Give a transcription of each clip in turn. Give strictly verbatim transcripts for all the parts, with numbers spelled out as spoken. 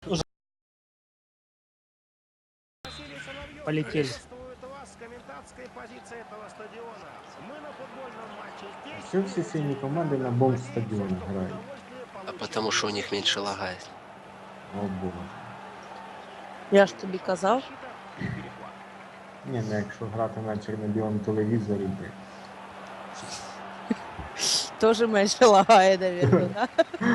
Уже полетели. Все все сильные команды на бомб стадионе грають. А потому что у них меньше лагает. О боже. Я ж тобі казав. Ні, ну якщо грати на чорно-білому телевізорі, би. Тоже меньше лагає, наверное, да?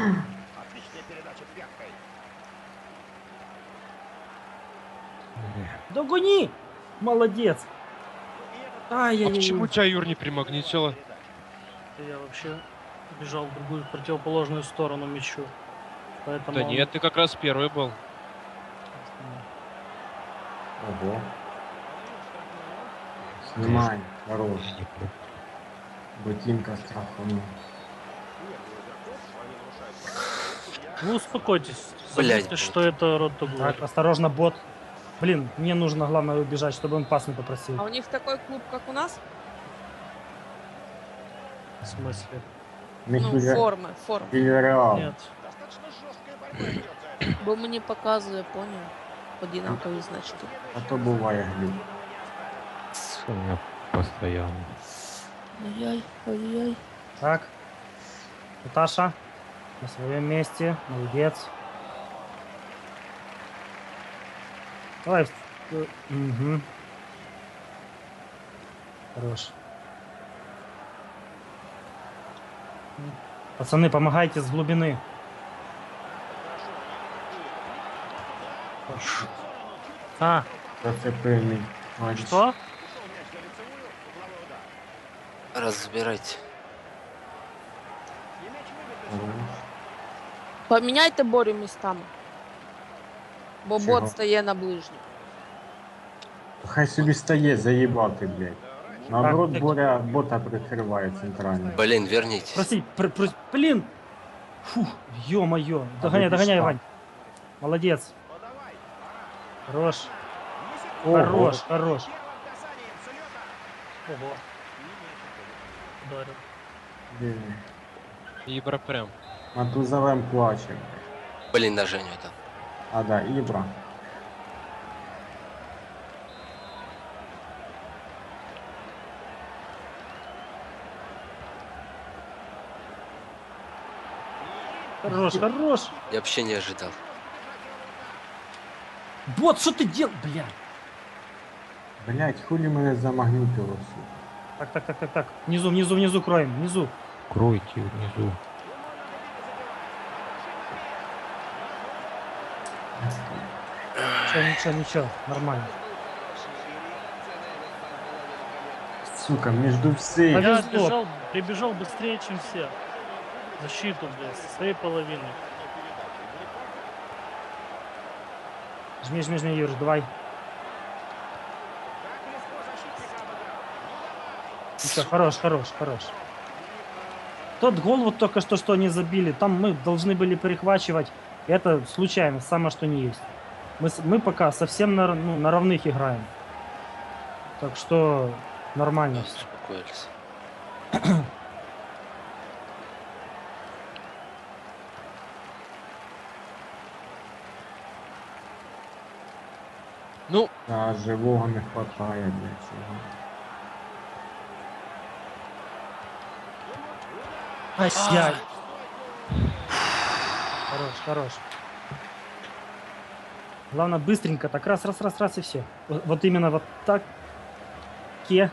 Догони! Молодец! А Ай-яй-яй. почему тебя, Юр, не примагнитило? Я вообще бежал в другую противоположную сторону мячу. Поэтому Да он- нет, ты как раз первый был. Ого. Снимай, хорош. Ботинка страханул. Ну успокойтесь. Блядь. Забудьте, что это рот Так, осторожно, бот. Блин, мне нужно, главное, убежать, чтобы он пас не попросил. А у них такой клуб, как у нас? В смысле? Не Ну, форми, форми. Вільяреал. Нет. Бо мені показує, поняв. Одинакові значки. А то буває глюк. У меня постоянно. Ой-ой, ой-ой. Так. Наташа, на своем месте. Молодец. Давай. Угу. Хорош. Пацаны, помогайте с глубины. А, Зацепильний. Ой, что? Разбирайте. хорош. Поміняйте Борю містами. Бо Чого? бот стає на ближню. Хай собі стає, заїбати, блядь. Наоборот, Так, Боря бота прикриває центрально. Блин, вернитесь. Прости, пр пр блин. Фух, ё-моё. Догоняй, вы догоняй, что? Вань. Молодец. Хорош. Ого. Хорош, хорош. Ого. Ударил. Блін. Ибра прям. Матузовем плачем. Блин, на Женю это. А, да, Ібра. Хорош, хорош. Я вообще не ожидал. Бот, что ты делал, бля? Блядь, хули мене замагнітило, сука. Так, так, так, так, так. Внизу, внизу, внизу кроем, внизу. Кройте внизу. Ничего, ничего, ничего, нормально. Сука, между всей. Повезло. Я бежал, прибежал быстрее, чем все. Защиту, блядь, со своей половины. Жми, жми, жми, Юр, давай. Ничего, хорош, хорош, хорош. Тот гол вот только что, что они забили, там мы должны были перехвачивать. Это случайно, самое что не есть. Мы, с- мы пока совсем на, р- ну, на равных играем. Так что нормально все. Успокоились. Ну, А живого не хватає для цього. Ай-яй. Хорош, хорош. Главное быстренько, так раз, раз, раз, раз и все. Вот, вот именно вот так. Ке.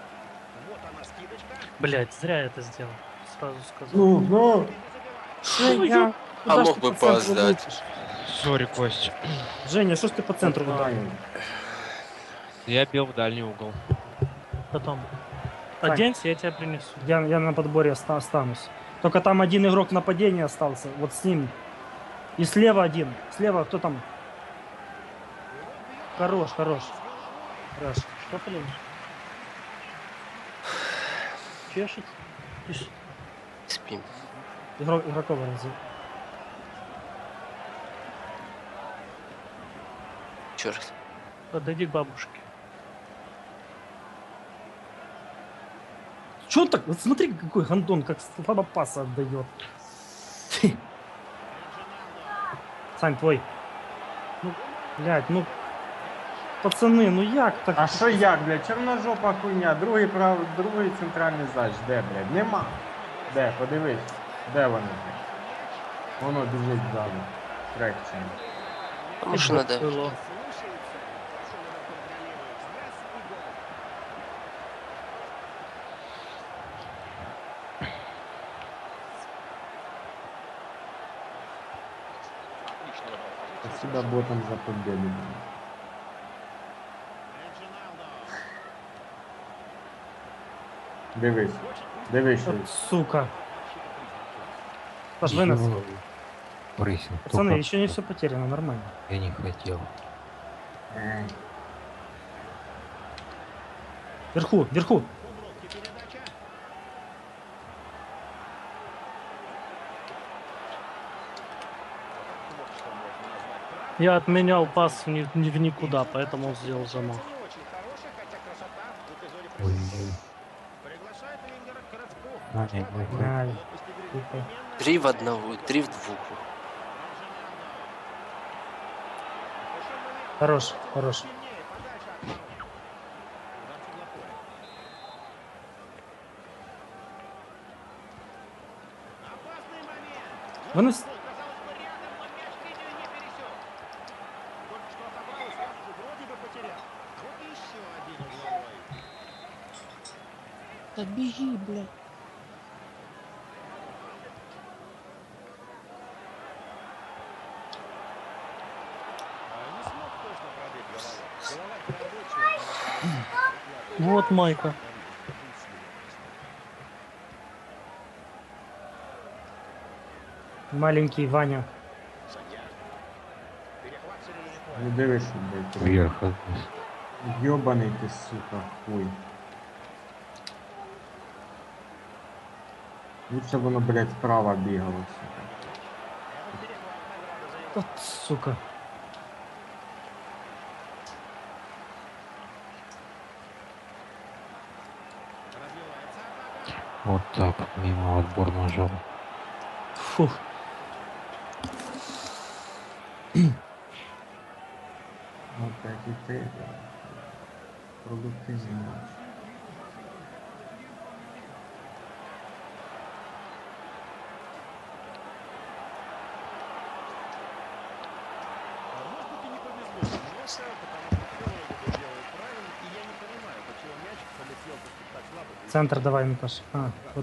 Блядь, зря я это сделал. Сразу сказал. Ну, ну! Женя, А куда ж мог ты бы по центру поздать. лупишь? сори, Кость. Женя, что ж ты по центру ударил? Я бил в дальний угол. Потом. Так. Оденься, я тебя принесу. Я, я на подборе оста- останусь. Только там один игрок нападения остался. Вот с ним. И слева один. Слева кто там? Хорош, хорош. Хорош. Что, блин? Чешет? Ишь, Спим. Игрок, игроков разве. Черт. Подойди к бабушке. Че он так? Вот смотри, какой гандон, как слабо паса отдает. Сань, твой. Блядь, ну... Пацани, ну як так? А що як, блядь, чорножопа хуйня, другий прав, другий центральний зач, де, блядь, нема. Де, подивись, де вони, блядь? Воно біжить ззаду. Трекчем. Потому что надо... Было. Спасибо ботам за победу. Дивись, дивись, що. Вот, сука. Паш, вынос. Ё, Борисин, Пацаны, только еще не все потеряно, нормально. Я не хотел. Ей. Вверху, вверху. Я отменял пас в, ни- ни- в никуда, поэтому он сделал замах. Ой-ой. А, нет, нет, нет. Ай, сука. Три в одного, три в двух. Хорош, хорош. Вынос. Да беги, блядь. Вот Майка. Маленький Ваня. Не дивись, блядь. Вверх отнес. Ёбаний ти, сука, хуй. Лучше б воно, блядь, справа бігало, сука. Вот, сука. Вот так, мимо отбор нажал. Фух. Опять і ти, блядь. Продуктивний матч. Центр давай, Наташ. А, вот.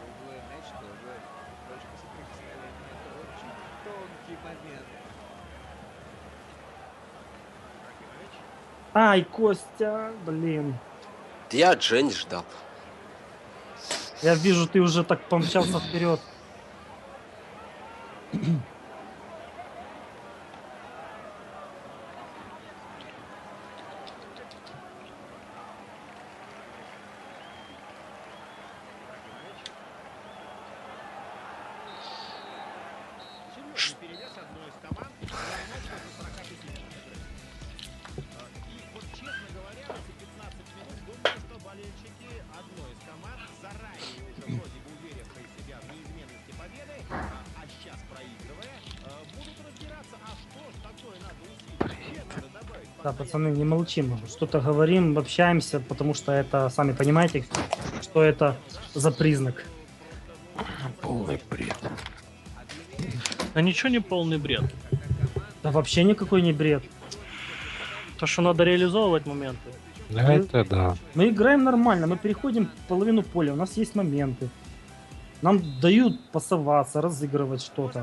Ай, Костя, блин. Я от Жени ждал. Я вижу, ты уже так помчался вперед. Да, пацаны, не молчим. Что-то говорим, общаемся, потому что это, сами понимаете, что это за признак. Полный бред. А ничего не полный бред. Да вообще никакой не бред. То, что надо реализовывать моменты. Да, это да. Мы играем нормально, мы переходим половину поля, у нас есть моменты. Нам дают пасоваться, разыгрывать что-то.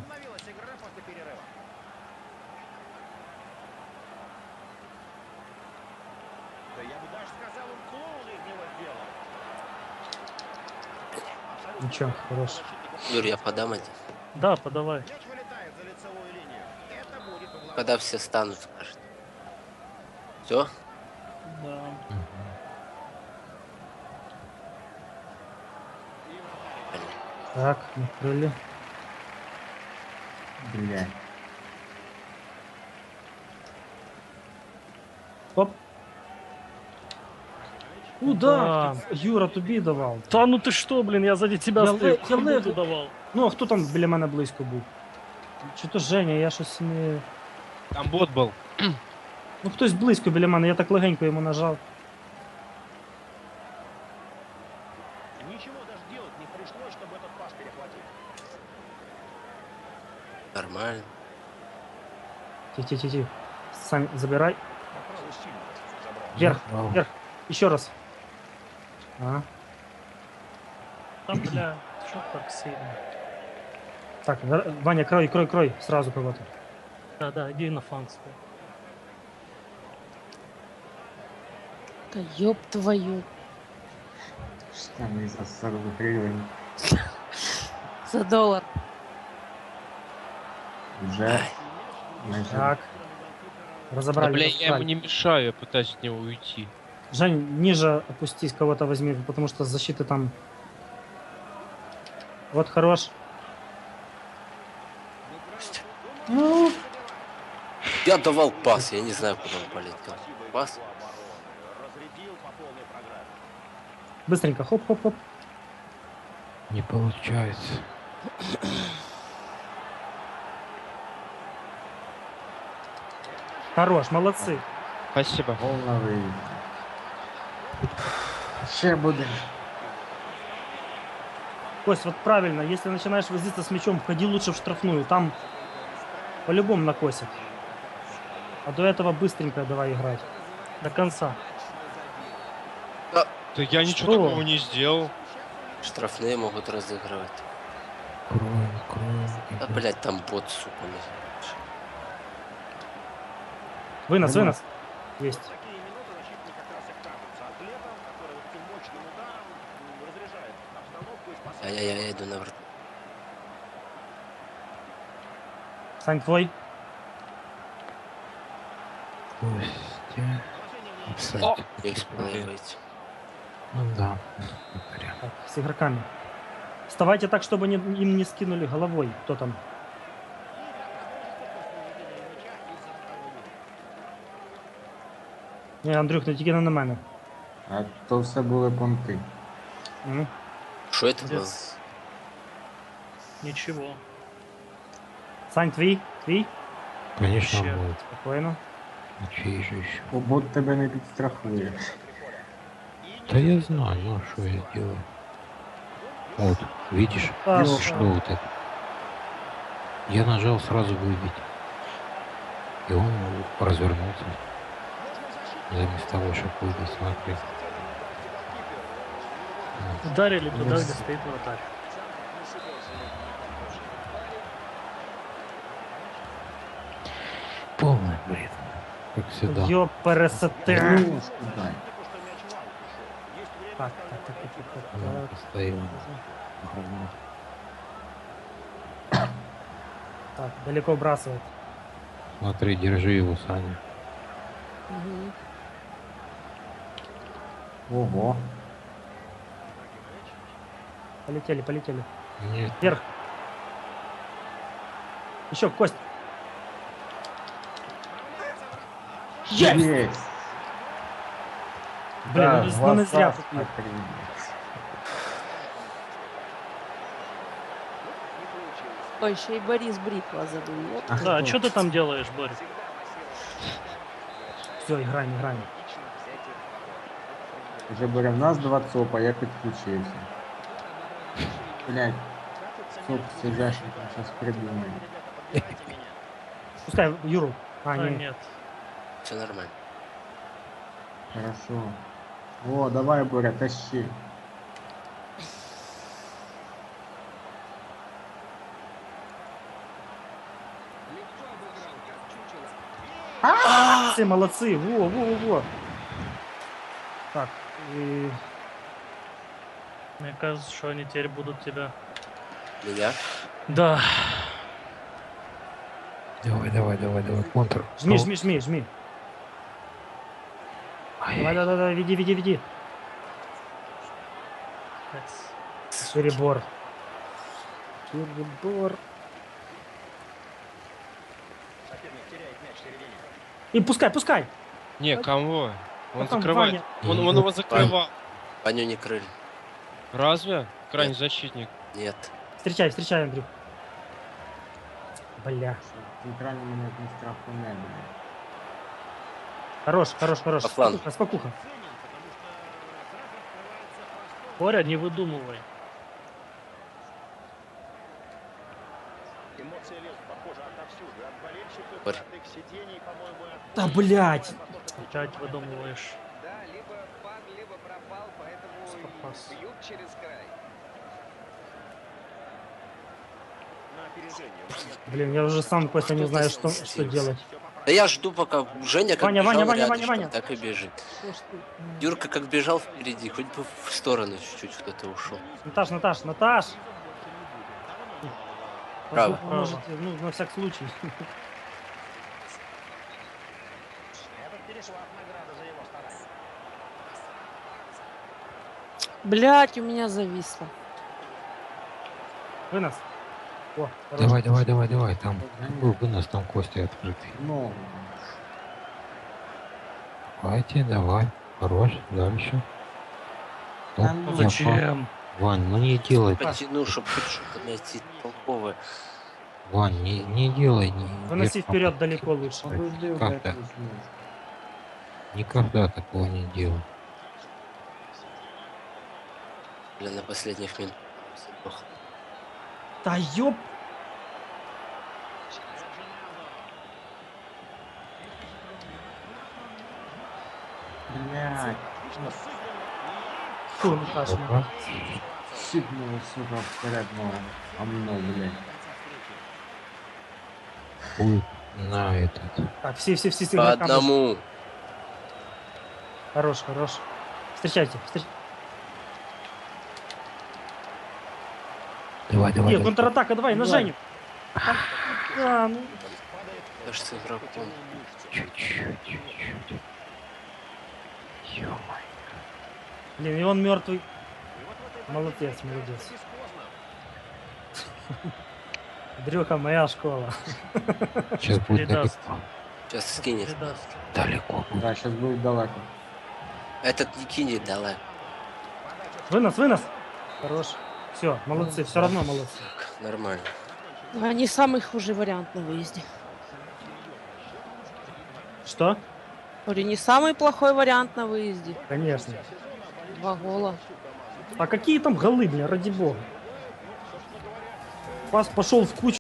Ничего, хорош. Юр, я подам один. Да, подавай. Когда все станут, скажет. Все? Да. Так, накрыли. Блядь. Оп. Куда? Юра тобі давав. Да ну ты что, блин, я сзади тебя Я стою. ле- я Кому ле- ты давал? Ну, а хто там біля мене близько був? Чи то Женя, я щось не... Там бот был. Ну хтось близько біля мене, я так легенько йому нажав. Ничего даже делать не пришлось, чтобы этот пас перехватить. Нормально. Ті-ті-ті-ті. Сань, забирай. Попробуй сильно забрал. Вверх, Забрал. вверх. Еще раз. А, Там, бля, что так сильно? так, Ва- Ваня, крой, крой, крой. Сразу кого-то. Да, да, иди на фланг свой. Да ёб твою. Штаны за сорок гривень. За доллар. Вже. Майже. Так. Да, Разобрали. бля, я ему разобрали. не мешаю, я пытаюсь от него уйти. Жень, ниже опустись, кого-то возьми, потому что защиты там... Вот хорош. Ну, Я давал пас, я не знаю, куда он полетел. Пас? Разрядил по полной программе. быстренько, хоп-хоп-хоп. Не получается. Хорош, молодцы. Спасибо. Гол на виїзді. Ще буде. Кость, вот правильно, если начинаешь возиться с мячом, входи лучше в штрафную, там по-любому накосят. А до этого быстренько давай играть. До конца. Да я ничего Что? такого не сделал. Штрафные могут разыгрывать. Крой, крой. Да, блядь, там бот, сука. не- Вынос, Нормально. вынос. Есть. Такие минуты защитник как раз и кажется атлетом, который вот этим мощным ударом м, разряжает обстановку и спасает. Ай-яй-яй, я иду на врат. Сань, твой. Костя. Кстати, не успел я выйти. Ну да. Прям. Так, с игроками. Вставайте так, чтобы не- им не скинули головой. Кто там? Не, Андрюх, не тільки не на мене. А то все були понти. М. Что это было? Без... Ничего. Сань, твій? Твій? Конечно, Вообще. будет. Спокойно. А чей же еще? Бо бот тебе не підстрахує. Да я знаю, ну что я делаю. Вот, видишь? А, Ё. Что вот это? Я нажал сразу выбить. И он развернулся. Заместо того, чтобы выбить, смотри. Вот. Ударили туда, Yes. где стоит вратарь. Полный бред. Как всегда. Йо, пересете. Ну, дай. Так, так, так, так, так, Она так. постоянно. Говно. Так, далеко вбрасывает. Смотри, держи его, Саня. Мгм. Ого. Полетели, полетели. Нет, Вверх. Еще, Кость. Есть! Блин, Да, ну, ну не зря. двадцать на три. Ой, еще и Борис Бритва забыл. ёп. А Да, а кто? что ты там делаешь, Борь? Все, играем, играем. Вже бере в нас два цопа, я підключився. Блять, цоп сидящий там зараз придумає. Пускай Юру. А, А, не. нет. Все нормально. Хорошо. О, давай, Боря, тащи. Молодцы, молодцы. Во, во, во, во. Так, и... Мне кажется, что они теперь будут тебя... Меня? Да. давай, давай, давай, давай, контр. Жми, Ну, жми, жми, жми. ай, Давай, давай, давай, веди, веди, веди. Перебор. Перебор. Соперник теряет мяч в середине. И пускай, пускай. Не, кого? Он А там закрывает. Ваня. Он, он его закрывал. Ваню не крыли. Разве? Крайний защитник. Нет. Встречай, встречай, Андрюх. Бля. Центральний мене не страху не буде. Хорош, хорош, хорош. По флангу. Спокуха, спокуха. Боря, не выдумывай. Эмоции лезут, похоже, отовсюду. От болельщиков, Борь. от их сидений, по-моему, и от... Да, блядь. Опять выдумываешь. Да, либо пан, либо пропал, поэтому Спас. и бьют через край. На опережение. Момент. Блин, я уже сам, Костя, не знаю, что, что делать. Да я жду, пока Женя как Ваня, бежал Ваня, Ваня, рядышком, Ваня, Ваня. так и бежит. Юрка как бежал впереди, хоть бы в сторону чуть-чуть кто-то ушел. Наташ, Наташ, Наташ. Право. Вы можете, ну, на всякий случай. Этот перешла награда за его старание. Блять, у меня зависло. Вынос. О, хорош. Давай, давай, давай, давай. Там был вынос, там кости открытый. Ну, Давайте, давай. Хорош, дальше. Ну, Да ну я Зачем? по- Вань, ну не делай. Потяну, чтобы хоть что-то найти толковое. Вань, не, не делай. Не, Выноси вверх вперед попасть. далеко лучше. подожди, Как блядь, так? усну. Никогда такого не делай. Бля, на последних минутах. Ох, Да ёп. Блядь, Фу, Наташ, ну. Опа. сипнуло, сука, вперед ногу. А мной, блядь. Будет на этот. Так, все, все, все, все По игрокам. одному. Хорош, хорош. Встречайте, встречайте. Давай, давай. Нет, давай. контратака, давай, на Давай. Женю. А, ну, Даже с игроком. Чуть-чуть, чуть-чуть. Ё-моё. блин, и он мертвый. Молодец, молодец. Дрюха, моя школа. Сейчас будет Передаст. далеко. Сейчас скинет. Передаст. Далеко будет. Да, сейчас будет далеко. Этот не кинет, давай. Вынос, вынос. Хорош. Все, молодцы, все равно молодцы. Нормально. А не самый хуже вариант на выезде. Что? Говорю, не самый плохой вариант на выезде. Конечно. Два гола. А какие там голы, бля, ради бога? Пас пошел в кучу.